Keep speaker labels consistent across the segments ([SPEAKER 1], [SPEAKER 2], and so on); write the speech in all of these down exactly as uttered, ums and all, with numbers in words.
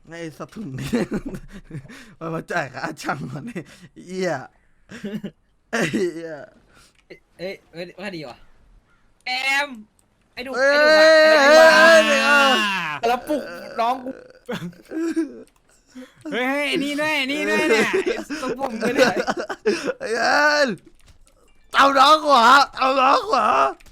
[SPEAKER 1] ไอ้สะทุนนี่มันมาจ่ายค่าช่างมันนี่เหี้ยไอ้เหี้ย
[SPEAKER 2] เอ้ยเอ้ยว่าดีวะแอมไอ้ดุ
[SPEAKER 1] เอ้
[SPEAKER 2] ไอ้ดุอะไอ้ดุ
[SPEAKER 1] ย
[SPEAKER 2] อะ
[SPEAKER 1] เอ้ยเอ้ย
[SPEAKER 2] แล้วปลุกน้องกู
[SPEAKER 3] เฮ้ยเฮ้ยนี่ด้วยนี่ด้วยเนี่ยสมผมก็เนี่ย
[SPEAKER 1] ไอ้เอ็นเอาน้องขวาเอาน้องขวา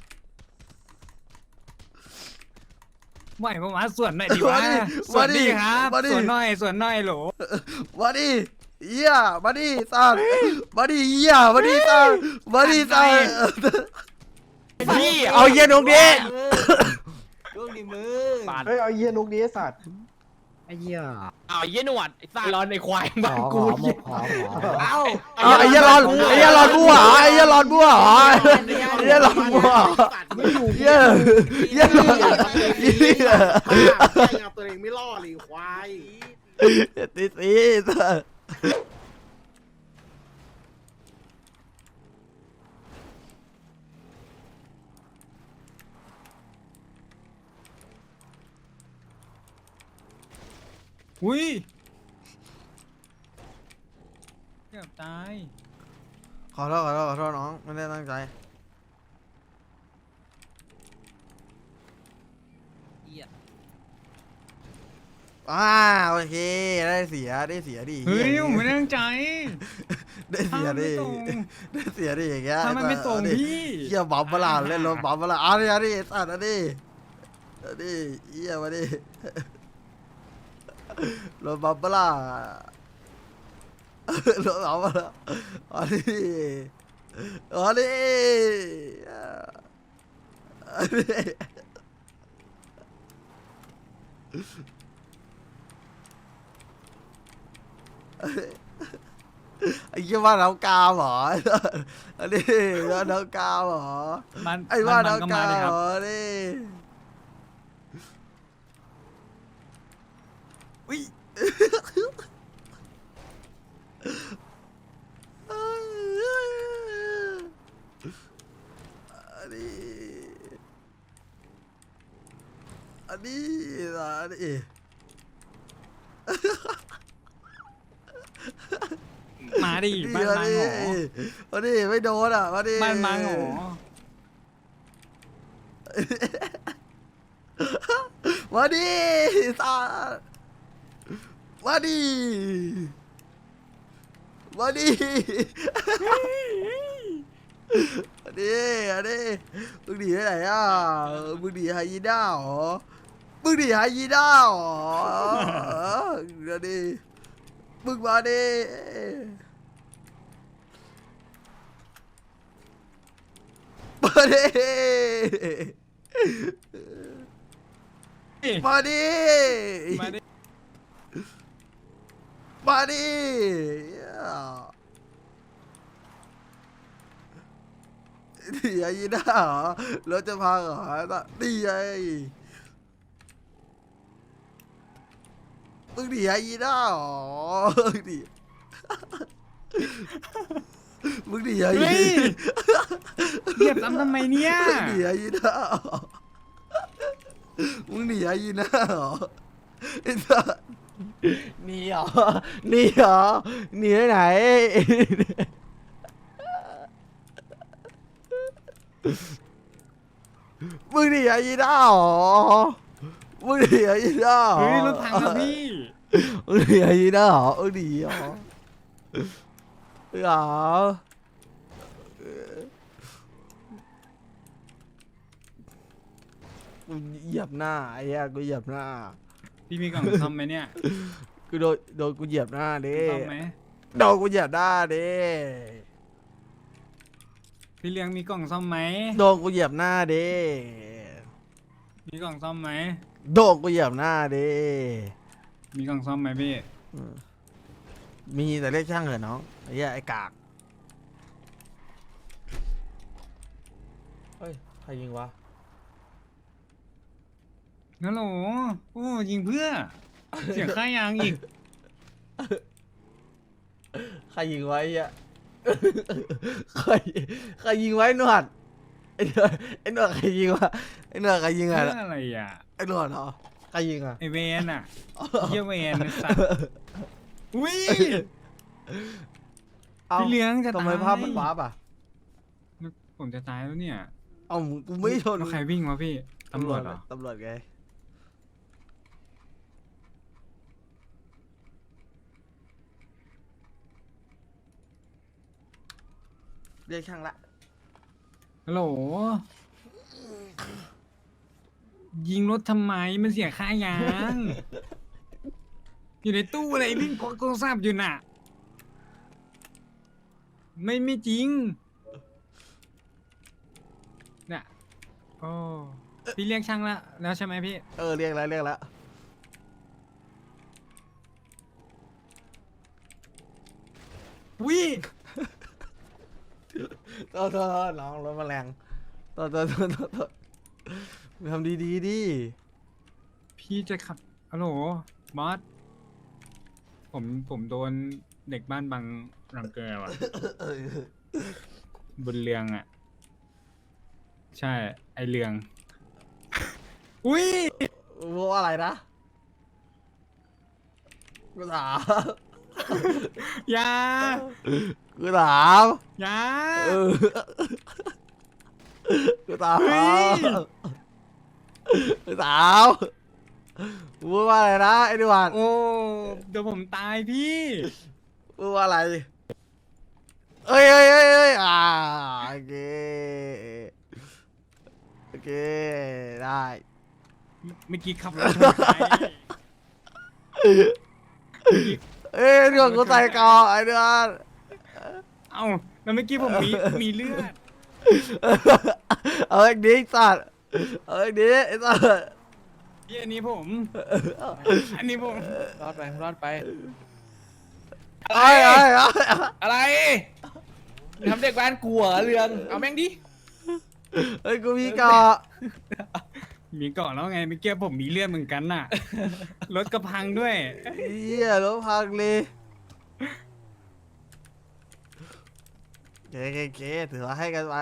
[SPEAKER 3] ไม่ผมมาส่วนหน่อยดีวะส่วนดีครับส่วนหน่อยส่วนหน่อยโหล
[SPEAKER 1] มาดิเหี้ยมาดิสัตว์มาดิเหี้ยมาดิสัตว์มาดิสัตว์
[SPEAKER 3] พี่เอาเย็นตรงนี้
[SPEAKER 2] ลูกดีมือ
[SPEAKER 4] เฮ้ยเอาเยี่ยนุกนี้ไอ้สัตว์
[SPEAKER 3] ไอ้เหี้ย
[SPEAKER 5] อ้าวเยี่ยหนวดไอ้สัตว์
[SPEAKER 3] ร้อนในควาย
[SPEAKER 4] ข
[SPEAKER 3] บ้าน
[SPEAKER 4] อ
[SPEAKER 3] กู
[SPEAKER 4] ขอหมกขอขอ
[SPEAKER 2] เอ้า
[SPEAKER 1] เอาไอ้เหี้ยรอนไอ้เหี้ยรอนบัวไอ้เหี้ยรอนบัวไอ้เหี้ยรอนบัวเหี้ยเหี้ยรอนเหี้ย
[SPEAKER 4] เอาตัวเองไม่ล่อเลยควาย
[SPEAKER 1] ตีตีสัตว์
[SPEAKER 3] อุ้ยเกือบตาย
[SPEAKER 1] ขอโทษขอโทษขอโทษน้องไม่ได้ตั้งใจอ่าโอเคได้เสียได้เสียดิ
[SPEAKER 3] เฮ้ยผมไม่ได้ตั้งใจ
[SPEAKER 1] ได้เสียดิ
[SPEAKER 3] ทำไมไม่ตรง
[SPEAKER 1] ได้เสียดิอย่างเงี้ย
[SPEAKER 3] ทำไมไม่ตรง
[SPEAKER 1] เอาดิ
[SPEAKER 3] พี่
[SPEAKER 1] เหี้ยบัมเบลาเล่นรถบัมเบลาเอาดิเอาดิสัตว์เอาดิเอาดิเหี้ยมาดิรถบัมเบลารถบัมเบลาเอาดิเอาดิเอาดิไอ้ยี่ว่าน้ำกามเหรออันนี้ว่าน้ำกามเหรอ
[SPEAKER 3] บ้าน
[SPEAKER 1] ไอ้ว่า
[SPEAKER 3] บ้านก็
[SPEAKER 1] น้ำ
[SPEAKER 3] มาก
[SPEAKER 1] าม
[SPEAKER 3] เลยค
[SPEAKER 1] เห
[SPEAKER 3] รั
[SPEAKER 1] ร
[SPEAKER 3] บ
[SPEAKER 1] อนี่อุ้ยอันนี้อันนี้อันนี้
[SPEAKER 3] มาดิบ้านมังหอ
[SPEAKER 1] มาดิไม่โดนอ่ะมาดิ
[SPEAKER 3] บ้านมังหอ
[SPEAKER 1] มาดิตามาดิมาดิอันนี้อันนี้มึงหนีไปไหนอ่ะมึงหนีไฮยีน่าเหรอมึงหนีไฮยีน่าเหรอเดี๋ยวดิมึงมาดิมาดิมาดิ
[SPEAKER 3] มาดิ
[SPEAKER 1] มาดินี่ไอ้ยีน่าเหรอรถจะพังเหรอนี่ไงมึงหนีไอ้ยีน่าเหรอมึงหนีมึงหนีไอ้
[SPEAKER 3] เฮ้
[SPEAKER 1] ยี
[SPEAKER 3] ยเหยียบซ้ำทำไมเนี่ย
[SPEAKER 1] มึงหนีไอ้ยีน่าเหรอมึงหนีไอ้ยีน่าเหรอไอ้สัสหนีเหรอหนีเหรอหนีไปไหนมึงหนีไอ้ยีน่าเหรอมึงหนีไอ้ยีน่าเหรอ
[SPEAKER 3] เฮ้ยรถถังครับพี่
[SPEAKER 1] มึงหนีไอ้ยีน่าเหรอมึงหนีเหรอเหรอกูเหยียบหน้าไอ้เหี้ยกูเหยียบหน้า
[SPEAKER 3] พี่มีกล่องซ่อมไหมเนี่ย
[SPEAKER 1] กูโดนโดนกูเหยียบหน้าดิ
[SPEAKER 3] ซ่อมไหม
[SPEAKER 1] โดนกูเหยียบหน้าดิ
[SPEAKER 3] พี่เลี้ยงมีกล่องซ่อมไหม
[SPEAKER 1] โดนกูเหยียบหน้าดิ
[SPEAKER 3] มีกล่องซ่อมไหม
[SPEAKER 1] โดนกูเหยียบหน้าดิ
[SPEAKER 3] มีกล่องซ่อมไหมพี่
[SPEAKER 1] มีแต่เรียกช่างเหรอะน้องไอ้เหี้ยไอ้กากเฮ้ยใครยิงวะ
[SPEAKER 3] ฮัลโหลโอ้ยิงเพื่อ เสียค่ายางอีก
[SPEAKER 1] ใครยิงไว้อะใครใครยิงไว้หนวดไอ้หนวดไอ้หนวดใครยิงวะไอ้หนวดใครยิงอะ
[SPEAKER 3] เพื่ออะไรอ่ะ
[SPEAKER 1] ไอ้หนวดเหรอใครรยิงอ่ะ
[SPEAKER 3] ไอเวนอ่ะเฮียเวนไอ้สัตว์อุ้ย
[SPEAKER 1] เอ้า
[SPEAKER 3] พี่เลี้ยงจะ
[SPEAKER 1] ทำไม
[SPEAKER 3] ตาย
[SPEAKER 1] ภาพมันวาร์ปอ่ะ
[SPEAKER 3] ผมจะตายแล้วเนี่ย
[SPEAKER 1] เอ้ากูไม่ชน
[SPEAKER 3] แล้วใครวิ่งวะพี่ตำรวจเหรอ
[SPEAKER 1] ตำรวจไงเรียกช่างละ
[SPEAKER 3] ฮัลโหลยิงรถทำไมมันเสียค่ายาง อยู่ในตู้อะไรวิ่งกโทรศัพท์อยู่น่ะ ไม่ไม่จริงเนี่ยโอ้พี่เรียกช่างแล้วแล้วใช่ไหมพี่
[SPEAKER 1] เออเรียกแล้วเรียกแล้ว
[SPEAKER 3] วิ
[SPEAKER 1] โทษโทษโทษน้องรถแมลงโทษโทษโทษโทษโทษทำดีดีๆดิ
[SPEAKER 3] พี่จะขับฮัลโหลบอสผมผมโดนเด็กบ้านบังรังแกว่ะ
[SPEAKER 1] เออบ
[SPEAKER 3] นเรืองอ่ะ ใช่ไอเรือง อุ้ย
[SPEAKER 1] รู้ว่าอะไรนะกูถาม
[SPEAKER 3] อยา
[SPEAKER 1] กูถาม
[SPEAKER 3] อยา
[SPEAKER 1] เออกูถาม
[SPEAKER 3] เฮ้ย
[SPEAKER 1] กูถามพูดว่าอะไรนะไอ้ดิวัน
[SPEAKER 3] โอ้เดี๋ยวผมตายพี่
[SPEAKER 1] พูดว่าอะไรเอ้ยเอ้ยเอ้ยเอ้ยอ่าโอเคโอเคได้
[SPEAKER 3] เมื่อกี้ขับรถชนใคร
[SPEAKER 1] เอ้ยเรื่องกูใส่กอไอ้เดือน
[SPEAKER 3] เอ้าแล้วเมื่อกี้ผมมีมีเลือด
[SPEAKER 1] เอาไอ้ดีสัตว์เอาไอ้ดีไอ้สัตว์
[SPEAKER 3] พี่อันนี้ผม อันนี้ผม
[SPEAKER 2] รอดไปรอดไป
[SPEAKER 1] ไอ้ไอ้ไอ้
[SPEAKER 2] อะไรทำเด็กบ้านกลัวเรื่องเอาแม่งดิ
[SPEAKER 1] ไอ้กูมีกอ
[SPEAKER 3] มีเกาะแล้วไงเมื่อกี้ผมมีเลือดเหมือนกันน่ะ รถกระพังด้วย
[SPEAKER 1] เหี้ยรถพังเลยเก๋เก๋เก๋ถือว่าให้กันไป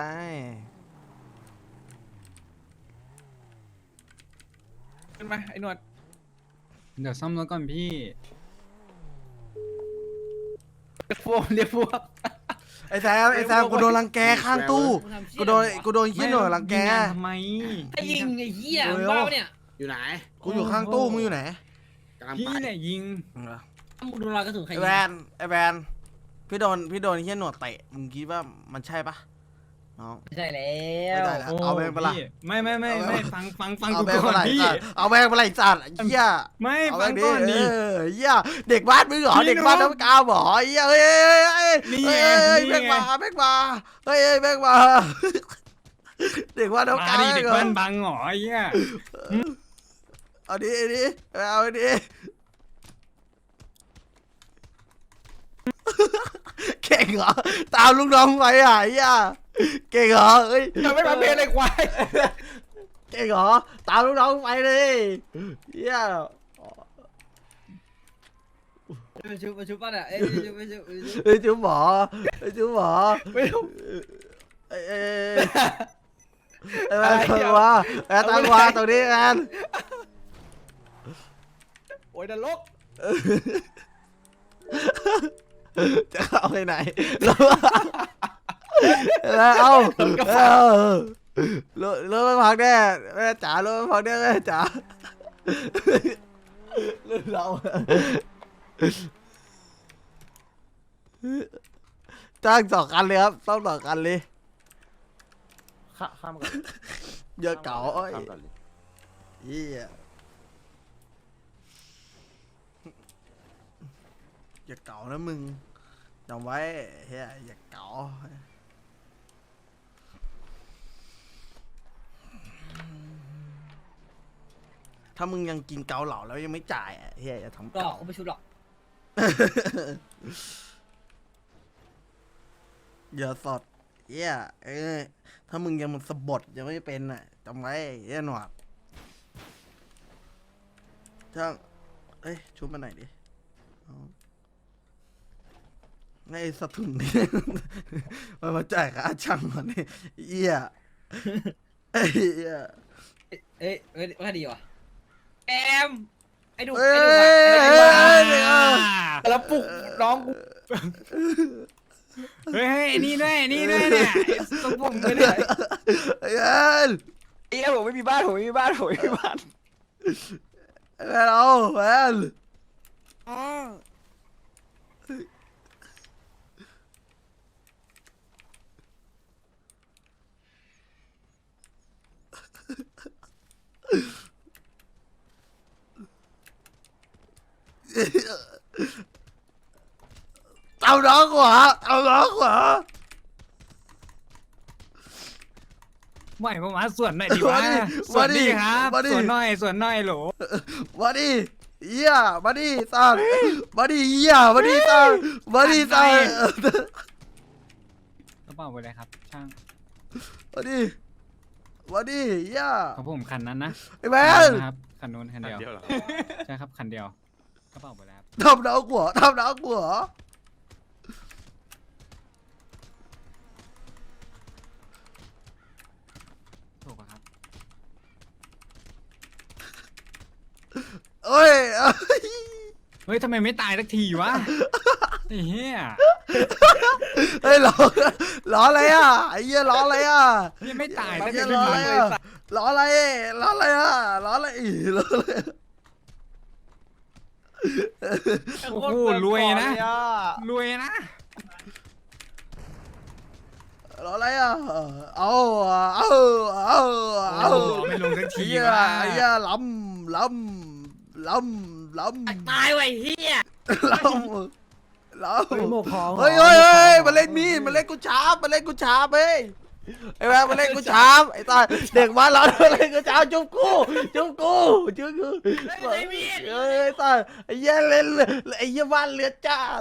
[SPEAKER 2] ขึ้นมาไอ้หนวด
[SPEAKER 3] เดี๋ยวซ่อมรถก่อนพี่
[SPEAKER 2] เรียกพวกเรียกพวก
[SPEAKER 1] ไอ้แซมไอ้แซมกูโดนรังแกข้างตู้กูโดนกูโดนขี้หน่วยรังแก
[SPEAKER 3] ยิงานทำไม
[SPEAKER 2] ไอ้ยิงไอ้เหี้ย
[SPEAKER 1] เร็ว
[SPEAKER 2] มึงบ้าปะเนี่ย
[SPEAKER 4] อยู่ไหน
[SPEAKER 1] กูอยู่ข้างตู้มึงอยู่ไหน
[SPEAKER 4] กำลัง
[SPEAKER 3] พี่
[SPEAKER 4] ไป
[SPEAKER 3] เนี่ยยิง
[SPEAKER 2] มึงดูรอยกระสุนใคร
[SPEAKER 1] ไอ้
[SPEAKER 2] ยิ
[SPEAKER 1] แว
[SPEAKER 2] ง
[SPEAKER 1] นไอ้แวนพี่โดนพี่โดนขี้หน่วยเตะมึงคิดว่ามันใช่ปะน้อง
[SPEAKER 2] ไม่ใช่แล้
[SPEAKER 1] ไม่
[SPEAKER 2] ว
[SPEAKER 1] ได้แล้วเอาแบงค์ไปละ
[SPEAKER 3] พี่ไม่ไม่ไม่ไม่ฟังฟังฟัง
[SPEAKER 1] เอา
[SPEAKER 3] กู
[SPEAKER 1] แบงค์
[SPEAKER 3] ก่
[SPEAKER 1] ไป
[SPEAKER 3] อน
[SPEAKER 1] ไหน
[SPEAKER 3] พี่
[SPEAKER 1] สัตว์เอาแบงค์ไปไหนสัตว์เหี้ย
[SPEAKER 3] ไม่
[SPEAKER 1] เอาแบ
[SPEAKER 3] ฟั
[SPEAKER 1] ง
[SPEAKER 3] ง
[SPEAKER 1] ค์ดิ
[SPEAKER 3] ก่อน
[SPEAKER 1] เอ
[SPEAKER 3] ดิ
[SPEAKER 1] อเหี้ยเด็กบ้านมึงเหรอ
[SPEAKER 3] พี่
[SPEAKER 1] เด็กบ้าน
[SPEAKER 3] น้อง
[SPEAKER 1] น้ำกาวเหรอเหี้ยเอ้ยเอ้ยเอ้ย
[SPEAKER 3] นี่
[SPEAKER 1] เอ้
[SPEAKER 3] ไง
[SPEAKER 1] ยเอ้ย
[SPEAKER 3] นี่
[SPEAKER 1] แบงค์
[SPEAKER 3] ไง
[SPEAKER 1] มาแบงค์มาเฮ้ยเอ้ยแบงค์มาเด็กบ้านน้ำ
[SPEAKER 3] มาก
[SPEAKER 1] าว
[SPEAKER 3] ดิเด็ก
[SPEAKER 1] เหรอ
[SPEAKER 3] บ้านบังเหรอไอ้เหี้ย
[SPEAKER 1] เอาดิเอาดิเอาดิเก่งเหรอตามลูกน้องไปอ่ะเหี้ยเก่งเหรอเอ้ย
[SPEAKER 2] จะไม่มาเพลเลยควาย
[SPEAKER 1] เก่งเหรอตามลูกน้องไปเลยเหี้ย
[SPEAKER 2] มาชุบมาชุบป่ะเนี่ยเอ้ยมาชุบมาชุบมาชุบ
[SPEAKER 1] เฮ้ยจุ๊บหมอเฮ้ยจุ๊บหมอ
[SPEAKER 2] ไม่รู้
[SPEAKER 1] เอ้ยเอ้ยเอ้ยแอนตังวาแอนตังวาตรงนี้แอน
[SPEAKER 2] โอ้ยนรก
[SPEAKER 1] จะเข้าไปไหนแล้วแล้วเอาเอารถรถมันพังแน่แม่จ๋ารถมันพังแน่แม่จ๋ารถเราจ้างสองคันเลยครับต้องสองคันเลย
[SPEAKER 4] ข้าข้ามก่อน
[SPEAKER 1] เยอะเก่าเอ้ย
[SPEAKER 4] ข้ามก่อนเลย
[SPEAKER 1] เหี้ยอย่าเก่านะมึงจำไว้เฮียอย่าเก่าถ้ามึงยังกินเกาเหลาแล้วยังไม่จ่ายอ่ะเฮียอย่าทำ
[SPEAKER 2] หลอ
[SPEAKER 1] เก่าก
[SPEAKER 2] เขาไม่ชุบหรอก
[SPEAKER 1] อย่าสดเฮียเอ้ยถ้ามึงยังมันสะบดยังไม่เป็นอ่ะจำไว้เฮียหนวดช่างเอ้ยชุบมาหน่อยดิเอาไอ้สะทุนนี่ มันมาจ่ายค่าช่างมันนี่เหี้ยไอ้เหี้ย
[SPEAKER 2] เอ้ยเอ้ยว่าดีวะแอมไอ้ดุ
[SPEAKER 1] เฮ้ย
[SPEAKER 2] ไอ้ดุอะไอ้ดุอะ
[SPEAKER 4] แล้วปลุกน้องกู
[SPEAKER 3] เฮ้ยเฮ้ยนี่ด้วยนี่ด้วยเนี่ยต้องผมไปเนี่ย
[SPEAKER 1] ไอ้เอ็น
[SPEAKER 4] เอ้ยผมไม่มีบ้านผมไม่มีบ้านผมไม่มีบ้าน
[SPEAKER 1] ไอ้แมนเอาแมนเอาน้องกว่าเอาน้องกว่า
[SPEAKER 3] ไม่ผมมาส่วนหน่อยดีวะส่วนดีครับส่วนหน่อยส่วนหน่อยโหล
[SPEAKER 1] มาดิเหี้ยมาดิสัตว์มาดิเหี้ยมาดิสัตว์มาดิสัตว์
[SPEAKER 3] กระเป๋าไปเลยครับช่าง
[SPEAKER 1] มาดิมาดิเหี้ย
[SPEAKER 3] ของผมคันนั้นนะ
[SPEAKER 1] ไอ้แมน
[SPEAKER 3] ครับคันนู้นคันเดียวใช่ครับคันเดียวกระเป๋าไปแล้ว
[SPEAKER 1] ทำน้องกูเหรอทำน้องกูเหรอ
[SPEAKER 3] ถูกครับ
[SPEAKER 1] เอ้ยเอ้ย
[SPEAKER 3] เฮ้ยทำไมไม่ตายสักทีวะไอ้เหี้ย
[SPEAKER 1] เฮ้ยล้อล้ออะไรอ่ะไอ้เหี้ยล้ออะไรอ่ะ
[SPEAKER 3] ยังไม่ตาย
[SPEAKER 1] ไอ้
[SPEAKER 3] สัก
[SPEAKER 1] เหี้ย
[SPEAKER 3] ที
[SPEAKER 1] ล้ออะไรอ่ะล้ออะไรล้ออะไรอ่ะล้ออะไรอีล้ออะไร
[SPEAKER 3] โอ้โหรวยนะรวยนะ
[SPEAKER 1] ล้ออะไรอ่ะเอาเอาเอาเอา
[SPEAKER 3] ไม่ลงสัก
[SPEAKER 1] ไอ้
[SPEAKER 3] ที
[SPEAKER 1] เหี้ยว
[SPEAKER 3] ะ
[SPEAKER 1] ไอ้เหี้ยล้ำล้ำล้ำล้ำ
[SPEAKER 2] ตายไว้เฮีย
[SPEAKER 1] ล้ำล้ำ
[SPEAKER 5] เฮ้ยโมกของ
[SPEAKER 1] เฮ้ยเฮ้ยเฮ้ยมาเล่นมีดมาเล่นกูชาร์ปมาเล่นกูชาร์ปเฮ้ยไอ้แม่มาเล่นกูชาร์ปไอ้ตาเด็กบ้านเรามาเล่นกูชาร์ปจุ๊บกูจุ๊บกูจุ๊บกูเฮ้ยตาไอ้เหี้ยเล่นไอ้เหี้ยบ้านเลือดจ้าด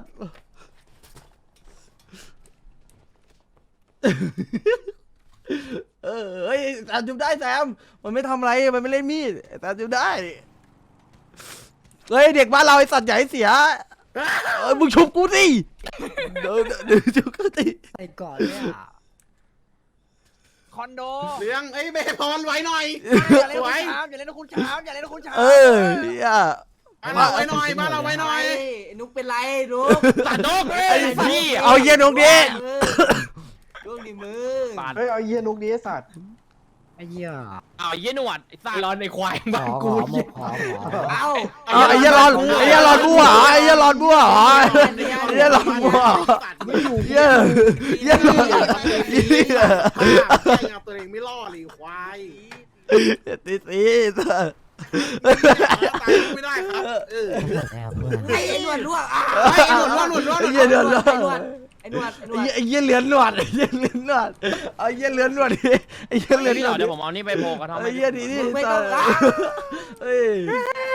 [SPEAKER 1] เออเฮ้ยตาจุ๊บได้แซมมันไม่ทำอะไรมันไม่เล่นมีดตาจุ๊บได้เฮ้ยเด็กบ้านเราไอ้สัตว์ใหญ่เสียเออมึงชุบกูสิเดี๋ยวเดี๋ยวชุบกูสิ
[SPEAKER 5] ไอ้ก่อนเนี่ย
[SPEAKER 2] คอนโด
[SPEAKER 4] เลี้ยงเอ้ยเบพรไว้หน่อย
[SPEAKER 2] อย่าเล่นคุณช้าอย่าเล่นคุณช้าอย่าเล่นคุณช้า
[SPEAKER 1] เออเฮีย
[SPEAKER 4] บ้านเราไว้หน่อยบ้านเราไว้หน่อย
[SPEAKER 2] นุกเป็นไรนุก
[SPEAKER 4] ตัดนก
[SPEAKER 1] ไอ้พี่เอาเฮียนกดิ
[SPEAKER 2] เรื่องดีมือ
[SPEAKER 6] เฮ้ยเอาเยี่ยนุกนี้ไอ้สัตว์
[SPEAKER 5] ไอ้เหี้ย
[SPEAKER 4] อ้าวเยี่ยหนวดไอ้สัตว์ร้อนในควาย
[SPEAKER 5] ข
[SPEAKER 4] บ้าน
[SPEAKER 5] อข
[SPEAKER 4] กู
[SPEAKER 5] อโมกของขอ
[SPEAKER 2] เอ้า
[SPEAKER 1] เอาไอ้เฮียรอนไอ้เฮียรอนบัวไอ้เฮียรอนบัวไอ้เฮียรอนบัวเฮียเฮียรอนเฮีย
[SPEAKER 4] เอาตัวเองไม่รอดเลยควาย
[SPEAKER 1] ตีตี
[SPEAKER 4] ตายไม่ได้ครับเออ
[SPEAKER 5] แล้วเพื่อน
[SPEAKER 2] ไอ้หนวดลวกอ่ะ
[SPEAKER 4] ไอ้หนวดรอดหนวดรอด
[SPEAKER 1] ไอ้เฮียเดือดร้อน
[SPEAKER 2] ไอ้หนวดไอ้หนวด
[SPEAKER 1] ไอ้เฮียเลือนหนวดไอ้เฮียเลือนหนวดเอาเฮียเลือนหนวดดิไอ้เฮียเลือนหนวด
[SPEAKER 4] เดี๋ยวผมเอานี่ไปโพกระท่อม
[SPEAKER 1] ไอ้เฮียดีนี่เฮ้ย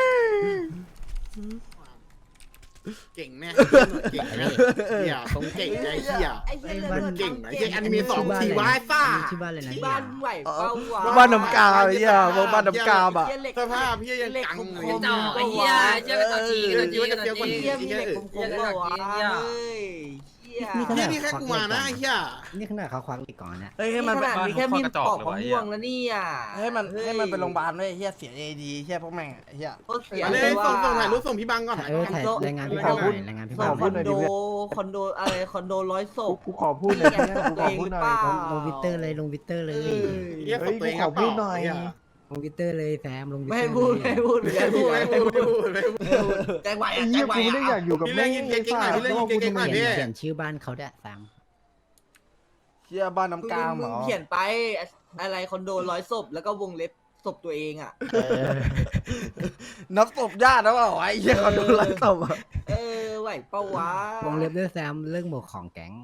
[SPEAKER 4] เก่งแน่เก่งแน่เฮียตรงเก่งไอ้เฮีย
[SPEAKER 2] ไอ้เหี้ยเลือด
[SPEAKER 4] เก่งไอ้เฮียอันนี้มีสองทีวายซ่า
[SPEAKER 5] ชื่อบ้านเลยนะ
[SPEAKER 2] ที่บ้านไหวเป้าวะ
[SPEAKER 1] บ้านน้ำกาไอ้เฮียวงบ้านน้ำกาอ่ะ
[SPEAKER 4] สภาพพี่ยังกังเลย
[SPEAKER 2] จ่อไอ้เหี้ยเจ้าตัวจริงตัวจริงตัวจริง
[SPEAKER 4] เหี้ยมีเหล็กคมๆ
[SPEAKER 2] เหี้ย
[SPEAKER 4] ว่ะ
[SPEAKER 2] เฮ้ยเหี้ย
[SPEAKER 4] เฮียนี่แค่กูมานะไอ้เฮีย
[SPEAKER 5] นี่ขนาดเขาควักอีกก่อนเนี่ย
[SPEAKER 1] เฮ้ยให้
[SPEAKER 2] นี่
[SPEAKER 1] มัน
[SPEAKER 2] ขนาดมีแค่มีดปอกมะม่วงแล้วเนี่ย
[SPEAKER 1] ให้มันให้มันไปโรงพยาบาลด้วยเฮียเสียเอดีเฮียพวกแม่งเฮีย
[SPEAKER 2] โคตรเสีย
[SPEAKER 4] เล
[SPEAKER 2] เลย ย
[SPEAKER 4] ส่งส่ง
[SPEAKER 2] ว่า
[SPEAKER 4] ถ่ายรูปส่งพี่บังก่อน
[SPEAKER 5] เออถ่ายรายงานพี่เผาหน่อยรายงานพี่
[SPEAKER 2] ส่
[SPEAKER 5] เผาง
[SPEAKER 2] คอนโดคอนโดอะไรคอนโดร้อยศพ
[SPEAKER 6] กูขอพูดหน่อยนะกูขอพูดหน่อย
[SPEAKER 5] ลงลงวิตเตอร์เลยลงวิตเตอร์เลย
[SPEAKER 4] เฮียส่งตัวเองครับ
[SPEAKER 5] ลงวิตเตอร์เลยแซมลงวิต
[SPEAKER 2] ไม่
[SPEAKER 5] เตอ
[SPEAKER 2] ให้
[SPEAKER 5] ร์
[SPEAKER 2] พูดไม่ให้พูดไม่
[SPEAKER 4] ไม่
[SPEAKER 2] ให้
[SPEAKER 4] พู
[SPEAKER 2] พู
[SPEAKER 4] ด
[SPEAKER 2] ด
[SPEAKER 4] ไม่
[SPEAKER 2] ไม่
[SPEAKER 4] พู
[SPEAKER 2] ให้
[SPEAKER 4] ด
[SPEAKER 2] พูด
[SPEAKER 4] ไม่พูด
[SPEAKER 2] แจ้งไหว
[SPEAKER 6] ไอ้
[SPEAKER 2] อ่ะ
[SPEAKER 6] เหี้
[SPEAKER 2] แจ้
[SPEAKER 6] ย
[SPEAKER 2] งไหว
[SPEAKER 6] กูไม่ได้อยากอยู่กับ
[SPEAKER 4] พี่
[SPEAKER 6] แม่
[SPEAKER 4] เล่น
[SPEAKER 6] ง
[SPEAKER 4] ยิงเก่งๆหน่อยพี่เล่นยิงเก่งๆหน่อย
[SPEAKER 5] เป
[SPEAKER 4] พี่
[SPEAKER 5] ลี่ยนเปลี่ยนชื่อบ้านเขาด้วยแซม
[SPEAKER 1] เฮียบ้านน้ำกลางเหร
[SPEAKER 2] มึง
[SPEAKER 1] อ
[SPEAKER 2] เขียนไปอะไรคอนโดร้อยศพแล้วก็วงเล็บศพตัวเองอ่ะ
[SPEAKER 1] นับศพญาติแล้วเปล่าไอ้เฮียเขาโดนไล่ศพอ่ะ
[SPEAKER 2] เออไหวเป้าวะ
[SPEAKER 5] วงเล็บด้วยแซมเรื่องหมวกของแก๊ง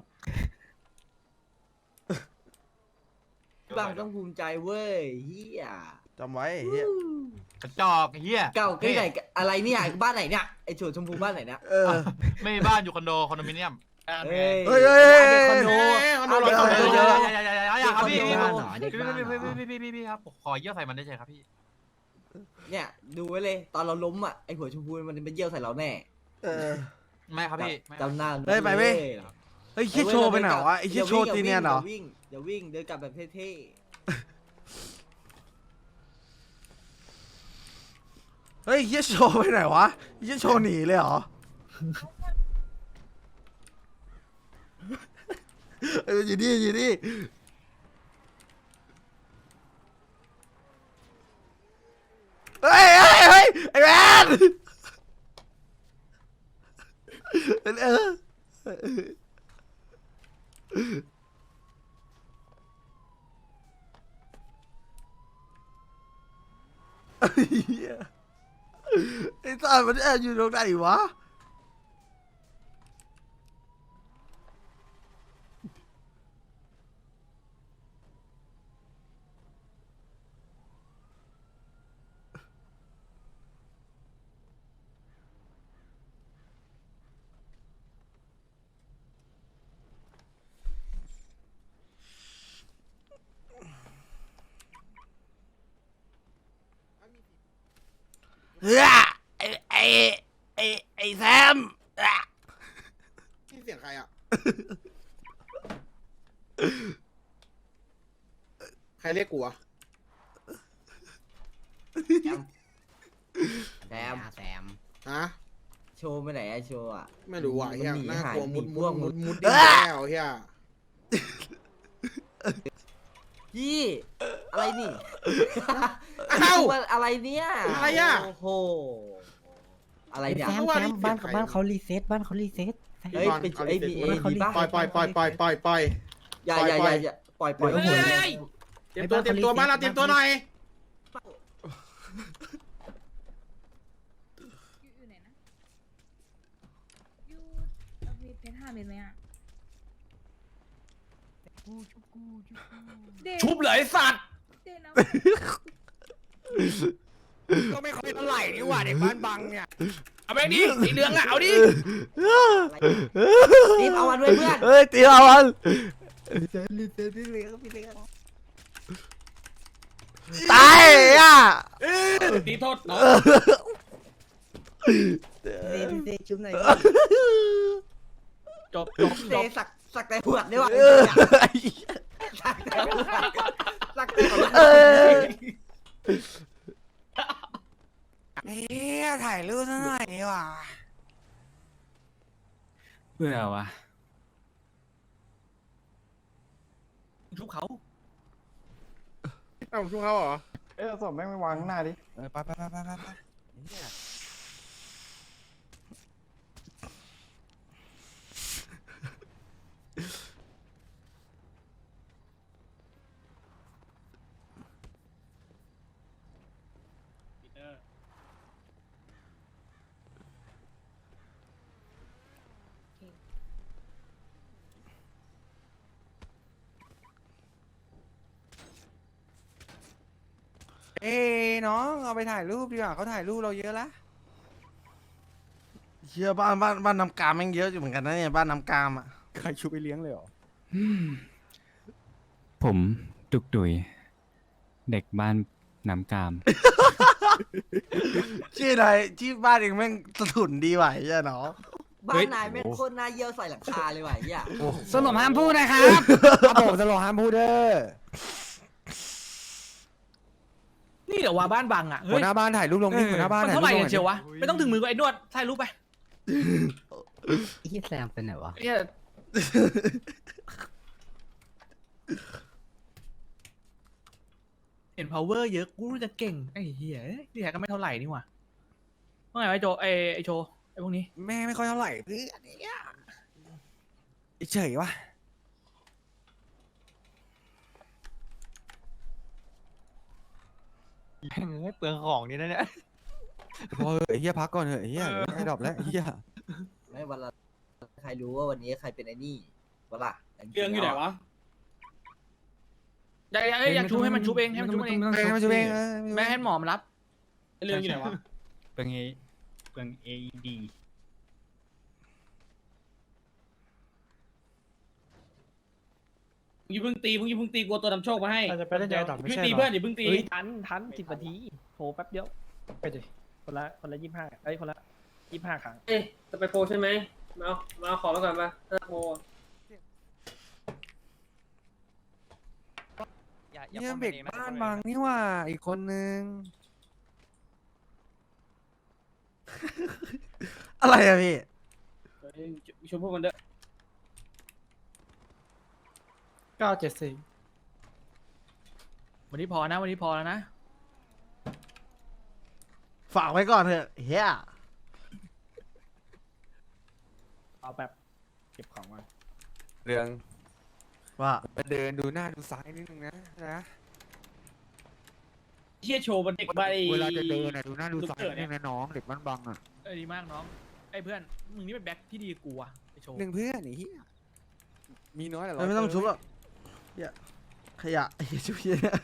[SPEAKER 2] บางต้องภูมิใจเว้ยเฮีย
[SPEAKER 1] จำไว้เฮีย
[SPEAKER 7] กระจอกไอ้เฮีย
[SPEAKER 2] เก่าที่ไหนอะไรเนี่ยบ้านไหนเนี่ยไอโฉดชมพูบ้านไหนเนี่ย
[SPEAKER 1] เออ
[SPEAKER 7] ไม่มีบ้านอยู่คอนโดคอนโดมิเนียม
[SPEAKER 2] เฮ้ย
[SPEAKER 1] เฮ้ยเฮ้ยเฮ้ย
[SPEAKER 2] คอนโด
[SPEAKER 4] คอนโดร้อยศพ
[SPEAKER 7] เยอะๆอย่าๆๆๆครับพี่
[SPEAKER 5] เด็ก
[SPEAKER 7] พี่
[SPEAKER 5] บ้านเหรอเด็ก
[SPEAKER 7] พี่
[SPEAKER 5] บ้านเหร
[SPEAKER 7] พี่
[SPEAKER 5] อ
[SPEAKER 7] พี่พี่พี่พี่ครับขอเยี่ยวใส่มันได้ใช่ครับพี่
[SPEAKER 2] เนี่ยดูไว้เลยตอนเราล้มอ่ะไอหัวชมพูมันเป็นเยี่ยวใส่เราแน่
[SPEAKER 1] เออ
[SPEAKER 7] ไม่ครับพี่
[SPEAKER 2] จำหน้า
[SPEAKER 1] เฮ้ยไปเว้ย เฮ้ยเฮียโชว์ไปไหนวะไอ้เฮียโชว์ตีเนียนเหรอ
[SPEAKER 2] อย่าวิ่งอย่าวิ่งเดินกลับแบบเท่
[SPEAKER 1] เฮ้ยเฮียโชว์ไปไหนวะเฮียโชว์หนีเลยเหรอเอออยู่นี่อยู่นี่เฮ้ยเฮ้ยเฮ้ยไอ้แมนเออเหี้ยไอ้สัตว์มันแอบอยู่ตรงไหนวะเฮ้ยไอ้ไอ้ไอ้ไอ้แซมอ่ะ
[SPEAKER 4] นี่เสียงใครอ่ะ ใครเรียกกูอ่ะ
[SPEAKER 2] แซม
[SPEAKER 5] แซม
[SPEAKER 4] ฮะ
[SPEAKER 2] โชว์ไปไหนอะโชว์อะ
[SPEAKER 4] ไม่รู้อ่ะเฮีย
[SPEAKER 2] มันหนี
[SPEAKER 4] น่ากลัว
[SPEAKER 2] หาย
[SPEAKER 4] มุด
[SPEAKER 2] หนี
[SPEAKER 4] มุ
[SPEAKER 2] พว
[SPEAKER 4] ด
[SPEAKER 2] ก
[SPEAKER 4] มุ
[SPEAKER 2] มุ
[SPEAKER 4] ด
[SPEAKER 2] ด
[SPEAKER 4] มุดดิ้นแล้วเฮีย
[SPEAKER 2] พี่อะไรนี่
[SPEAKER 4] อ้าว
[SPEAKER 2] ว่าอะไรเนี่ย
[SPEAKER 4] อะไรอะ
[SPEAKER 2] โอ้โหอะไรเนี่ย
[SPEAKER 5] แซม
[SPEAKER 4] เมื่อวาน
[SPEAKER 5] แซ
[SPEAKER 4] นี้
[SPEAKER 5] มบ้าน
[SPEAKER 4] เสียงใคร
[SPEAKER 5] บ้านเขารีเซ็ตบ้านเขารีเซ็ตแซม
[SPEAKER 2] เฮ้ย
[SPEAKER 4] บอล
[SPEAKER 2] เป็น
[SPEAKER 4] เอา
[SPEAKER 2] ไอ้
[SPEAKER 4] ดิ
[SPEAKER 2] ดี
[SPEAKER 4] เส
[SPEAKER 2] เอ
[SPEAKER 4] ร็จ
[SPEAKER 2] ดีป่ะ
[SPEAKER 4] ปล่อยปล่อยปล่อยปล่อยปล่อยปล่อยปล่อย
[SPEAKER 2] อย่าอย่าอย่าอย่าปล่อยปล่อย
[SPEAKER 5] เดี๋ยว
[SPEAKER 2] ปล่อย
[SPEAKER 5] เฮ้ย
[SPEAKER 4] เตรียมตัวเตรียมตัวบ้านเราเตรียมตัวหน่อย
[SPEAKER 8] อยู่อยู่ไหนนะ อยู่เอาเพชรเพชรห้าเม็ดไหมอ่ะเดน
[SPEAKER 2] ชุบเลยสัตว์
[SPEAKER 8] เดนเอา
[SPEAKER 9] ก็ไม่ค่อยเท่าไหร่นี่หว่าเด็กบ้านบังเนี่ย เอาแบงค์ดิสีเหลืองอ่ะ เอาดิ
[SPEAKER 2] รีบเอามันด้วยเพื่อน
[SPEAKER 1] เฮ้ยตีเอามัน
[SPEAKER 5] รีเซ็ตรีเซ็ตพี่เลี้ยงพี่เลี้ยง
[SPEAKER 1] ตายอ่ะ
[SPEAKER 9] ตีโทษน้อง
[SPEAKER 5] รีเซ็ตรีเซ็ตจุ๊บหน่อย
[SPEAKER 9] จบจบ
[SPEAKER 2] เซ
[SPEAKER 9] จบ
[SPEAKER 2] สักสักแต่หัวได้ว่ะ
[SPEAKER 1] เออ
[SPEAKER 2] สักแต่หัวสักแต่หัว
[SPEAKER 1] เออ
[SPEAKER 9] เฮ้ยถ่ายรูปซะหน่อยดีกว่า
[SPEAKER 3] เบื่อวะ
[SPEAKER 9] ชุบเขา
[SPEAKER 4] เอ้าช่วงเขาเหรอ
[SPEAKER 6] เอ้ยเอาศพแม่งไปวางข้างหน้าดิ
[SPEAKER 9] เออไปไปไปไปไปไปเอ้น้องเอาไปถ่ายรูปดีกว่าเขาถ่ายรูปเราเยอะละ
[SPEAKER 1] เชื่อบ้านบ้านบ้านน้ำกามแม่งเยอะอยู่เหมือนกันนะเนี่ยบ้านน้ำกามอ่ะ
[SPEAKER 6] ใครชูไปเลี้ยงเลยเหรอ
[SPEAKER 3] ผมตุกตุย เด็กบ้านน้ำกาม
[SPEAKER 1] ชื่ออะไรที่บ้านเองแม่งสะทุนดีไหวใช่เนาะ
[SPEAKER 2] บ้านนายแม่งโคตรน่าเยี่ยวใส่หลังคาเลยว่ะไอ้เหี้ย
[SPEAKER 9] สรุปห้ามพูดนะครับ
[SPEAKER 6] ครับผมจะรอห้ามพูดเด้อ
[SPEAKER 9] นี่เดี๋ยวว่าบ้านบังอ่ะ
[SPEAKER 6] หัวหน้าบ้านถ่ายรูปลงนี่หัวหน้าบ้าน
[SPEAKER 9] มัน
[SPEAKER 6] ถ่าย
[SPEAKER 9] เท่าไหร่
[SPEAKER 6] รูปล
[SPEAKER 9] กั
[SPEAKER 6] ง
[SPEAKER 9] นเชียววะ ไม่ต้องถึงมือกับไอ้นวดถ่ายรูปไป
[SPEAKER 5] พี่แซมเป็นไหนวะ
[SPEAKER 9] เนี่ยเห็น power เยอะกูรู้จะเก่งไอ้เหี้ยที่แท้ก็ไม่เท่าไหร่นี่หว่าว่าไงวะไอ้โจไอ้ไอ้โจไอ้พวกนี้
[SPEAKER 6] แม่ไม่ค่อยเท่าไหร่เพื่อนเนี่ยเฉยวะ
[SPEAKER 7] ไม่เปลืองของนี่นะเนี่ย
[SPEAKER 6] พอเถอะไอ้เฮียพักก่อนเถอะไอ้เฮียไอ้ดรอปแล้วไอ้เฮีย
[SPEAKER 2] ไม่วันละใครรู้ว่าวันนี้ใครเป็นไอ้นี่วะล่ะ
[SPEAKER 9] เรื่องอยู่ไหนวะอยากอยากอยากชูให้มันชูเองให้มันชูเอง
[SPEAKER 3] ไม่
[SPEAKER 6] เอ
[SPEAKER 3] ต้
[SPEAKER 6] ง
[SPEAKER 3] อง
[SPEAKER 6] มาช่วยเองเออ
[SPEAKER 9] ไม่ให้หมอมารับเรื่องอยู่ไหนวะ
[SPEAKER 3] เปลืองเอเปลืองเอดี
[SPEAKER 9] มึงอย่าเพิ่งตีมึงอย่าเพิ่งตีกลัวตัวดำโชคมาให้
[SPEAKER 10] เราจะไปเล่นใจต่อไม่
[SPEAKER 9] เพิ่ง
[SPEAKER 10] ใช่
[SPEAKER 9] ตี
[SPEAKER 10] เหรอ
[SPEAKER 9] เพื่อนอย่าเพิ่งตี
[SPEAKER 10] เฮ้ยทันทันสิบนาทีโหแป๊บเดียวไปดิคนละคนละยี่ห้าไอ้ยคนละยี่ห้าครั้ง
[SPEAKER 9] เอ๊ะจะไปโปรใช่ไหมมาเอามาเอาของมาก่อนมาถ้าโปร
[SPEAKER 6] เฮียเด็กบ้านบางนี่หว่าอีกคนนึง
[SPEAKER 1] อะไรอะพี่
[SPEAKER 9] เฮ้ยชมพวกมันเด้อ
[SPEAKER 10] เก้าเจ็ดสี่
[SPEAKER 9] วันนี้พอนะวันนี้พอแล้วนะ
[SPEAKER 1] ฝากไว้ก่อนเถอะเฮีย
[SPEAKER 10] เอาแบบเก็บของมา
[SPEAKER 7] เรื่อง
[SPEAKER 1] ว่า
[SPEAKER 7] มาเดินดูหน้าดูซ้ายนิดนึงนะนะ
[SPEAKER 9] เชี่ยโชว์มันเด็กใบ
[SPEAKER 7] เวลาจะเดินนะดูหน้าดู
[SPEAKER 9] ลูก
[SPEAKER 7] ซ้าย
[SPEAKER 9] เกิด
[SPEAKER 7] นิด
[SPEAKER 9] เนี่
[SPEAKER 7] นึ
[SPEAKER 9] ย
[SPEAKER 7] งนะน้องเด็กบ้านบังอ่ะ
[SPEAKER 9] เออดีมากน้องไอ้เพื่อนมึงนี่เป็นแบ็คที่ดีกูอะไอโชว์
[SPEAKER 7] หนึ่งเพื่อนไอ้เหี้ยมีน้อยแต่
[SPEAKER 1] เอ้ยไม่ต้องชุบหรอกเฮียขยะไอ้เหี้ยชุบเฮียเนี่ย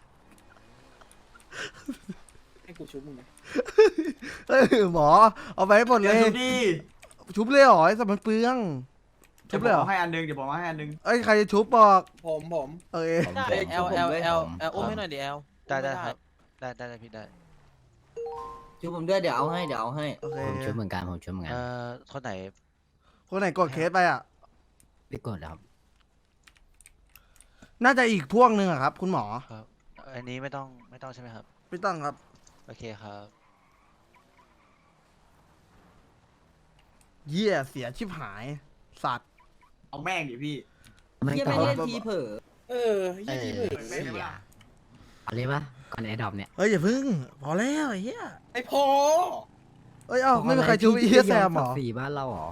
[SPEAKER 9] ให้กูชุบมึงนะ
[SPEAKER 1] เฮ้ยหมอเอาไปให้หมดเลยชุบเลยเหรอไอ้สัตว์มันเปลืองชุบเลยเหรอ
[SPEAKER 6] ให้อันนึงเดี๋ยวผมให้อันนึง
[SPEAKER 1] เอ้ยใครจะชุบบอก
[SPEAKER 6] ผมผม
[SPEAKER 1] เอ้ย
[SPEAKER 5] ได้
[SPEAKER 6] เอลเอลเอลเอลอุ้มให้หน่อยดิ
[SPEAKER 7] ได้ได้ครับได้ได้ได้พี่ได้
[SPEAKER 5] ช่วยผมด้วยเดี๋ยวเอาให้เดี๋ยวเอาให้
[SPEAKER 1] โอเค
[SPEAKER 5] ผมช่วยเหมือนกันผมช่วยเหมือนกัน
[SPEAKER 7] เอ่อคนไหน
[SPEAKER 1] คนไหนกดเคสไปอ่ะ
[SPEAKER 5] ไม่กดแล้วครับ
[SPEAKER 1] น่าจะอีกพวกหนึ่งอะครับ คุณหมอ
[SPEAKER 7] ครับอันนี้ไม่ต้องไม่ต้องใช่ไหมครับ
[SPEAKER 1] ไม่ต้องครับ
[SPEAKER 7] โอเคครับ
[SPEAKER 1] เยี่ยเสียชิบหาย สัตว์
[SPEAKER 6] เอาแม่งดิพี่
[SPEAKER 5] ไม่
[SPEAKER 6] เหี้ย
[SPEAKER 5] ต่อ
[SPEAKER 6] ไม่เล่นทีเผลอ
[SPEAKER 9] เออ
[SPEAKER 5] เออเสียเอาเลยปะก่อนไอ้ดอกเนี่ย
[SPEAKER 1] เฮ้ยอย่าพึ่ง พอแล้วไอ้เหี้ย
[SPEAKER 6] ไอ้พอ
[SPEAKER 1] เอ้ยเอ้าไม่มีใครชุบไอ้เหี้ยแซมเหรอ
[SPEAKER 5] สี่บ้านเราเหรอ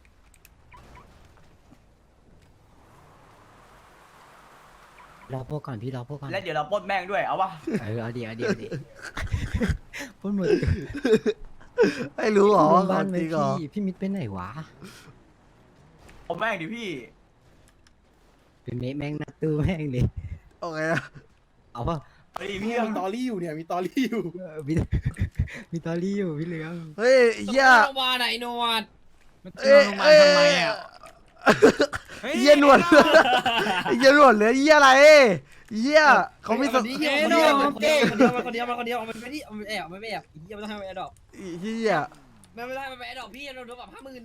[SPEAKER 5] รอพวกก่อนพี่รอพวกก่อน
[SPEAKER 6] แล้วเดี๋ยวเราปล้นแม่งด้วยเอาวะ
[SPEAKER 5] เออเอาดีเอาดีเอาดีพูดหมด
[SPEAKER 1] ไม่รู้เหรอว่า
[SPEAKER 5] บ้า
[SPEAKER 1] เขา
[SPEAKER 5] นไหม
[SPEAKER 1] จริงเหรอ
[SPEAKER 5] พี่พี่มิดไปไหนวะ
[SPEAKER 6] เอาแม่งดิพี่
[SPEAKER 5] เป็นเมฆแม่งนัดตู้แม่งดิ
[SPEAKER 1] โอเค
[SPEAKER 5] เอาปะ
[SPEAKER 6] เฮ้ยพี่มีตอรี่อยู่เนี่ยมีตอรี่อยู่
[SPEAKER 5] เออมีมีตอรี่อยู่พี่เหลือง
[SPEAKER 1] เฮ้ยไอ้เหี้ย
[SPEAKER 2] โรงพยาบาลไหนนวด
[SPEAKER 3] มันจะลงมาทำไมอ่ะ
[SPEAKER 1] ไอ้เหี้ยหนวดไอ้เหี้ยหนวดเหลือเหี้ยอะไรเหี้ยเขามีส
[SPEAKER 2] คนเดียวคนเดียวคนเดียวคนเดียวคนเดียวมันคนเดียวมันไม่ที่มันแอบมันไม่แอบเหี้ยมันต้องให้มันแอบดอก
[SPEAKER 1] ไอ้เหี้ย
[SPEAKER 2] มันไม่ได้มันไปแอบดอกพี่เราโดนปรับห้าหมื่น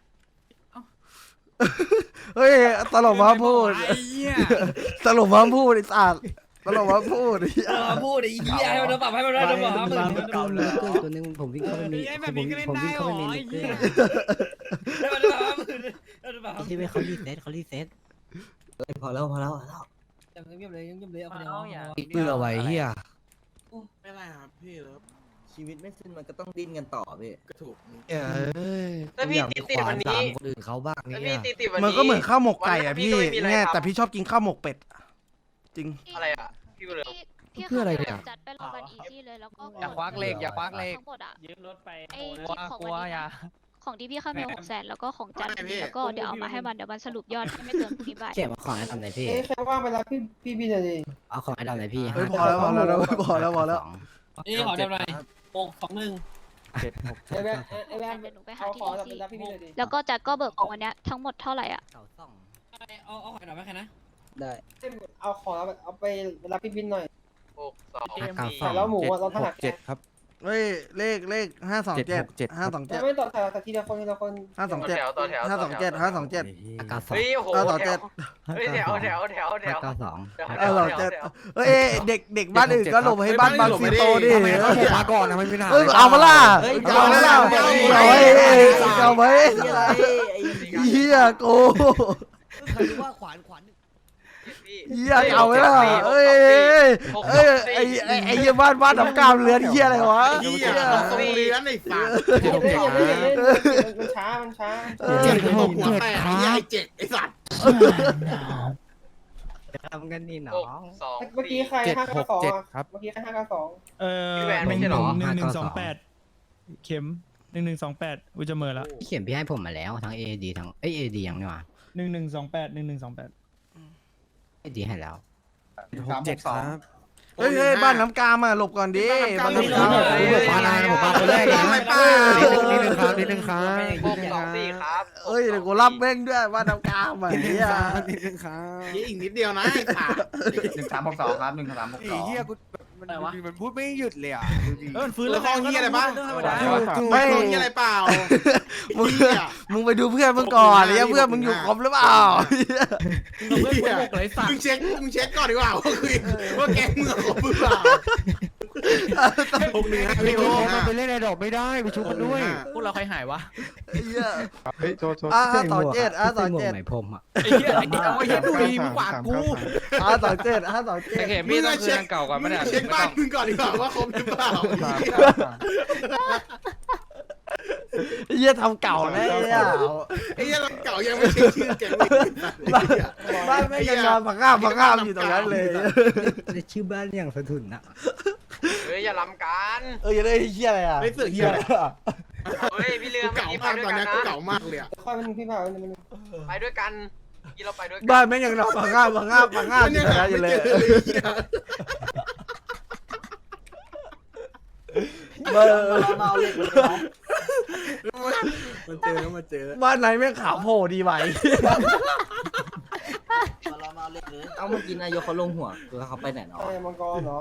[SPEAKER 1] เฮ้ยตลกมาพูด
[SPEAKER 3] ไอ้เหี้ย
[SPEAKER 1] ตลกมาพูดไอ้สัตว์ตลกมาพูดไอ้เหี้ย
[SPEAKER 2] เออพูดไอ้เหี้ยให้มันโดนปรับให้มันได้โดนปรับห้าหมื่น
[SPEAKER 5] ตัวนึงตัวนึงผมวิ่งเข้าไปมี
[SPEAKER 3] ไอ้
[SPEAKER 5] ผ
[SPEAKER 3] แบบ
[SPEAKER 5] ม
[SPEAKER 3] นี้ก็เล่น
[SPEAKER 5] ผม
[SPEAKER 3] ได้
[SPEAKER 5] วิ่ง
[SPEAKER 3] เหร
[SPEAKER 5] เข้า
[SPEAKER 3] อ
[SPEAKER 5] ไปมี
[SPEAKER 3] ไอ้
[SPEAKER 5] เกอ
[SPEAKER 3] เหี้ย
[SPEAKER 5] ร์
[SPEAKER 2] ให้มันโดนปรับห้าหมื่นให้มันโดนปรับห้าห
[SPEAKER 5] ใช่ไหม
[SPEAKER 2] มื่น
[SPEAKER 5] เขารีเซ็ตเขารีเซ็ตพอแล้วพอแล้วพอแล้ว
[SPEAKER 2] เงียบเลยเงียบเลยเอาคนเดียว
[SPEAKER 5] เพื่อไว้เฮีย
[SPEAKER 4] ไม่ไรครับพี่เลิฟ
[SPEAKER 5] ชีวิตไม่สิ้นมันก็ต้องดิ้นกันต่อพี่
[SPEAKER 4] ก็ถูก
[SPEAKER 5] เอ้ย
[SPEAKER 2] แล้วพี่ติดติดวันนี้
[SPEAKER 5] คนอื่นเขาบ้าง
[SPEAKER 2] แล้ว
[SPEAKER 5] เนี่
[SPEAKER 2] พี่
[SPEAKER 5] ย
[SPEAKER 2] ติดติดวันนี้
[SPEAKER 1] มันก็เหมือนข้าวหมกไก่อะ
[SPEAKER 2] วันนี้
[SPEAKER 1] พี่
[SPEAKER 2] ก็ไม่มีอะไร
[SPEAKER 1] เนี่ย
[SPEAKER 2] ทำ
[SPEAKER 1] แต่พี่ชอบกินข้าวหมกเป็ดจริง
[SPEAKER 2] อะไรอ่ะพี่ก็เลย
[SPEAKER 5] เพื่ออะไรเนี่ย
[SPEAKER 8] จัดไปรอกันอีซี่เลยแล้วก็
[SPEAKER 7] อย่าควักเลขอย่าควักเลข
[SPEAKER 8] ทั้งหมดอ่ะ
[SPEAKER 10] ยืมรถไป
[SPEAKER 8] ไอ้
[SPEAKER 10] โทร
[SPEAKER 8] ที่ของ
[SPEAKER 7] กลัว
[SPEAKER 8] วันนี้
[SPEAKER 7] อย่า
[SPEAKER 8] นะของที่พี่เข้ามาหกแสนแล้วก็ของจันทร์แล้วก็เดี๋ยวเอามาให้มันเดี๋ยวมันสรุปยอดให้ไม่เกินพรุ่งนี้บ่าย
[SPEAKER 5] เขียนมาของไอ้ดำไหนพี่
[SPEAKER 6] ใครว่างไปรับพี่พี่พี่หน่อยดิ
[SPEAKER 5] เอาของไอ้ดำไหนพี่
[SPEAKER 1] ๆเฮ้ยพอแล้วพอแล้วพอแล้วพอแล้ว
[SPEAKER 2] นี่ขอเดี๋ยวหน่อยหกสองหนึ่ง
[SPEAKER 7] เจ็ดหก
[SPEAKER 6] ไอ้แม่ไอ้แม่
[SPEAKER 8] เดี๋ยวหนูไปหา
[SPEAKER 6] เอา
[SPEAKER 8] ที่
[SPEAKER 6] ขอ
[SPEAKER 8] ดี
[SPEAKER 6] รับไป
[SPEAKER 8] ซี
[SPEAKER 6] รับพี่พี่หน่อยดิ
[SPEAKER 8] แล้วก็จัดก็เบิกของวันเนี้ยทั้งหมดเท่าไหร่อ่ะ
[SPEAKER 5] เสาสอง
[SPEAKER 2] เอาเอาขอหน่อยไหมใครนะ
[SPEAKER 5] ได้
[SPEAKER 6] เอาขอรับเอาไปรับพี่บินหน่อย
[SPEAKER 2] หกสอง
[SPEAKER 5] เก้าส
[SPEAKER 6] ใส่
[SPEAKER 5] อง
[SPEAKER 6] แล้วหมูอะเราถนัด
[SPEAKER 7] เจ็ดครับ
[SPEAKER 1] เฮ้ยเลขเลขห้าสองเจ็ดห้าสองเจ็ด
[SPEAKER 6] ไม่ต่อแต่ละทีละคนทีละคน
[SPEAKER 1] ห้าสองเจ็ดห้าสองเจ็ดห้าสองเจ็ด
[SPEAKER 5] เก้าสอง
[SPEAKER 2] เฮ้ยโอ้โห
[SPEAKER 1] ห้าสองเจ็ด
[SPEAKER 2] เฮ้ยแถวแถวแถวแถว
[SPEAKER 5] เก้าสอง
[SPEAKER 1] ห้าสองเจ็ดเฮ้ยเด็กเด็กบ้านอื่นก็หลบให้บ้านบางซีโตดิ
[SPEAKER 7] ทำไมเขาผมมาก่อนนะไม่เป็นไร
[SPEAKER 1] เอ้ยเอามาล่ะเอามาล่ะเอาไว้เอาไว้เฮียโก
[SPEAKER 5] ใครรู้ว่าขวานขวาน
[SPEAKER 1] เฮียเอาไว้ล่ะเอ้ยเอ้ยไอ้ไอ้ไอ้เฮียบ้านบ้านน้ำกามเรือนเฮียอะไรวะ
[SPEAKER 4] เฮียเราส่งเรียนไอ้สัตว์
[SPEAKER 6] เจ็ดเจ็ดมันช้ามันช้า
[SPEAKER 4] เจ็ดหกหัวแตกไอ้เจ็ดไอ้สัตว์
[SPEAKER 5] ทำกันนี่หนอ
[SPEAKER 2] สอง
[SPEAKER 6] เมื่อกี้ใครห้าเก้าสองเมื่อกี้ใครห้าเก้าสอง
[SPEAKER 3] เออ
[SPEAKER 2] พี่แหวน
[SPEAKER 3] ห
[SPEAKER 2] ไม่
[SPEAKER 3] นึ่ง
[SPEAKER 2] ใช่เหรอ
[SPEAKER 3] หนึ่งหนึ่งสองแปดเข็มหนึ่งหนึ่งสองแปดอุยจะเหมอละ
[SPEAKER 5] เขียนพี่ให้ผมมาแล้วทั้งเอดีทั้งเอ้ยเอดียังนี่วะ
[SPEAKER 3] หนึ่งหนึ่งสองแปดหนึ่งหนึ่งสองแปด
[SPEAKER 5] เอดีให้แล้ว
[SPEAKER 7] หกเจ็ดครับ
[SPEAKER 1] เฮ้ยเฮ้ยบ้านน้ำกามอ่ะหลบก่อนดิบ้านน้ำกาม
[SPEAKER 7] ผมมาอะไรนะผมมาคนแรกนะ
[SPEAKER 4] ไม่ป้า
[SPEAKER 7] นิดนึงครับนิดนึงครับ
[SPEAKER 2] หกสองสี่ครับ
[SPEAKER 1] เอ้ยเดี๋ยวกูรับแม่งด้วยบ้านน้ำกามอ่ะเฮีย
[SPEAKER 7] นิดนึงครับ
[SPEAKER 4] อีกนิดเดียวนะไอ้สัตว์
[SPEAKER 6] หนึ่งสามหกสองครับหนึ่งสามหก
[SPEAKER 7] ไอ้
[SPEAKER 6] สอง
[SPEAKER 7] เหี้ยกูมันมันพูดไม่หยุดเลยอ่ะดูดิ
[SPEAKER 3] เออฟื้น
[SPEAKER 4] แล้
[SPEAKER 3] แล้ว ว
[SPEAKER 4] ข้อเฮียอะไรบ้าง
[SPEAKER 1] ไม่
[SPEAKER 4] ข้อเฮียอะไรเปล่า
[SPEAKER 1] มึงมึงไปดูเพื่อนมึงก่อนเนี่ยเพื่อนมึงอยู่ครบหรือเปล่า
[SPEAKER 4] เพื่อนกูบอกเลยสัตว์มึงเช็คมึงเช็คก่อนดีกว่าว่าคือว่าแกมึงครบหรือเปล่าหกหนึ่งห้า
[SPEAKER 7] พี่
[SPEAKER 4] พี่
[SPEAKER 7] โจ
[SPEAKER 4] หกหนึ่ง
[SPEAKER 7] มัน
[SPEAKER 4] ห้า
[SPEAKER 7] ไปเล่นในดอกไม่ได้ไปชุบมันด้วย
[SPEAKER 9] พวกเราใครหายวะ
[SPEAKER 1] ไอ้เหี้ย
[SPEAKER 6] เฮ้ยโจโจ
[SPEAKER 1] อ่ะอ่ะสองเจ็ดอ่ะสอง
[SPEAKER 5] หมวก
[SPEAKER 1] เจ็ด
[SPEAKER 5] ไหมพรมอ่ะ
[SPEAKER 9] ไอ้เหี้ยไอ้เหี้ยไอ้เหี้ยดูดีมึงกว่ากู
[SPEAKER 1] อ่ะสองเจ็ดอ่ะสองเจ็ด
[SPEAKER 4] มึงเช็คเก่าก่อนไม่ได้เช็คบ้านมึงก่อนดีกว่าว่าครบหรือเปล่า
[SPEAKER 1] ไอ้เหี้ยทำเก่าแน่เนี่ย
[SPEAKER 4] ไอ้เหี้ยเราเก่ายังไม่เช็คชื่อแกงเลย
[SPEAKER 1] บ้านบ้านไม่ยังนอนผักข้ามผักข้ามอยู่ตรงนั้นเลย
[SPEAKER 5] ชื่อบ้านอย่างสะทุนอ่ะ
[SPEAKER 4] เฮ้ยอย่าล้ำกัน
[SPEAKER 1] เออยังได้เหี้ยอะไรอ่ะ
[SPEAKER 4] ไม่เสือกเหี้ยอะไร
[SPEAKER 11] เฮ้ยพี่เรือ
[SPEAKER 4] เก่ามากตอนนี้เก่ามากเลยอะ
[SPEAKER 10] ค่อยมันพี่พามันมัน
[SPEAKER 11] ไปด้วยกันกี่เราไปด้วยกัน
[SPEAKER 1] บ้านไม่ยังนอนผักข้ามผักข้ามผักข้ามอยู่ตรงนั้นอยู่เลยเบอร์
[SPEAKER 10] มาเอาเหล็กเลยน้อง
[SPEAKER 4] มันเจอแล้วมาเจอ
[SPEAKER 1] บ้านไหนแม่งขาวโผล่ดีไหว
[SPEAKER 10] มาเรามาเอาเหล็กเลย
[SPEAKER 5] เอาเมื่อกี้นายกเขาลงหัวคือเขาไปไหนเนาะ
[SPEAKER 10] ไอ้มังกรเนาะ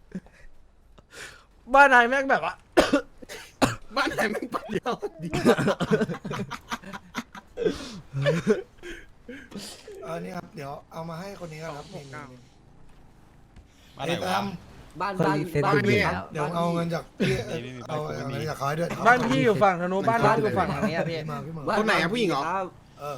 [SPEAKER 1] บ้านไหนแม่งแบบว่า
[SPEAKER 4] บ้านไหนมึงปัดเดียวดี
[SPEAKER 6] เออนี่ครับเดี๋ยวเอามาให้คนนี้ครับนี่
[SPEAKER 4] บ้านไหนวะ
[SPEAKER 5] บ้านคนบ้านรีเซ็ตบ้านอยู่พี่แล้ว
[SPEAKER 6] เดี๋ยวเอาเงินจากพี่เอาเอาเงินจากเขาให้ด้วย
[SPEAKER 1] บ้านพี่อยู่ฝั่งธนูบ้านร้านอยู่ฝั่งทางนี้พี่
[SPEAKER 6] มาพี่มา
[SPEAKER 4] คนไหนอะผู้หญิงเหรอ
[SPEAKER 6] เออ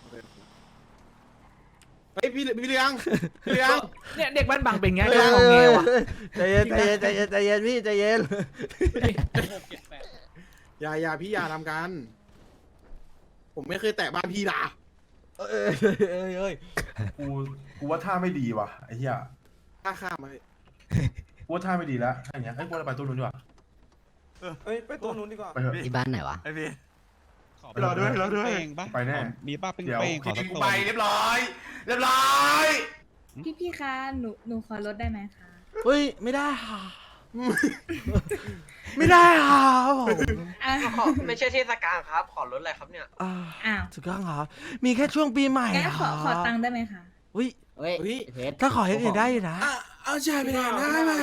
[SPEAKER 4] เฮ้ยพี่พี่เลี้ยงพี่เลี้ยง
[SPEAKER 9] เนี่ยเด็กบ้านบางเป็นไง
[SPEAKER 1] เฮ้
[SPEAKER 9] ก็
[SPEAKER 1] ย
[SPEAKER 9] งอแงวะ
[SPEAKER 1] ใจเย็นใจเย็นใจเย็นใจเย็นพี่ใจเย็น
[SPEAKER 4] อย่าอย่าพี่อย่าทำกัน ผมไม่เคยแตะบ้านพี่นะ
[SPEAKER 1] เอ้ยเอ้ยเอ้ย
[SPEAKER 12] กูกูว่าท่าไม่ดีว่ะไอ้เหี้ย
[SPEAKER 4] ข้าข้ามมา
[SPEAKER 12] กูว่าท่าไม่ดีแล้วถ้าอย่างเงี้ยไอ้ยกูจะไปตู้นู้นดีกว่า
[SPEAKER 10] เฮ้ยไปตัวนู้นดีกว่า
[SPEAKER 12] ไปเถอะ
[SPEAKER 5] ที่บ้านไหนวะ
[SPEAKER 12] รอด้วยรอด้วยไปแน่
[SPEAKER 11] มีป้าเป็น
[SPEAKER 12] เดี๋ยว
[SPEAKER 11] เป้งขอสักตัว
[SPEAKER 12] ไปเรียบร้อย เรียบร้อย
[SPEAKER 8] พี่พี่คะหนูหนูขอลดได้ไหมคะ
[SPEAKER 1] เฮ้ยไม่ได้ค่ะ ไม่ได้ค่ะผม
[SPEAKER 11] ขอไม่ใช่เทศกาลครับ ขอลดอะไรครับเนี่ย
[SPEAKER 1] อ่า
[SPEAKER 8] อ้าว
[SPEAKER 1] ถูกต้องครับมีแค่ช่วงปีใหม่
[SPEAKER 8] งั้นขอขอตังค์ได้ไหมคะ
[SPEAKER 1] อุ้ย
[SPEAKER 5] เฮ้ยเพชร
[SPEAKER 1] ถ้าขออย่างอื่นได้อยู่นะ
[SPEAKER 4] เอาใช่ไปได้ได้ไหม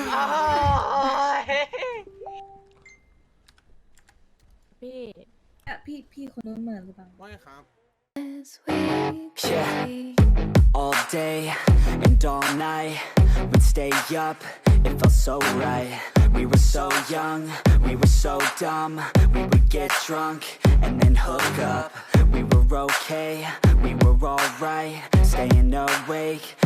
[SPEAKER 8] พี่พี่พี่คนนู้นเหมือนหรือเปล่า
[SPEAKER 4] ว่าไงครับ
[SPEAKER 11] Yeah. All day and all night we'd stay up, it felt so right. We were so young, we were so dumb. We would get drunk and then hook up. We were okay, we were alright. Staying awake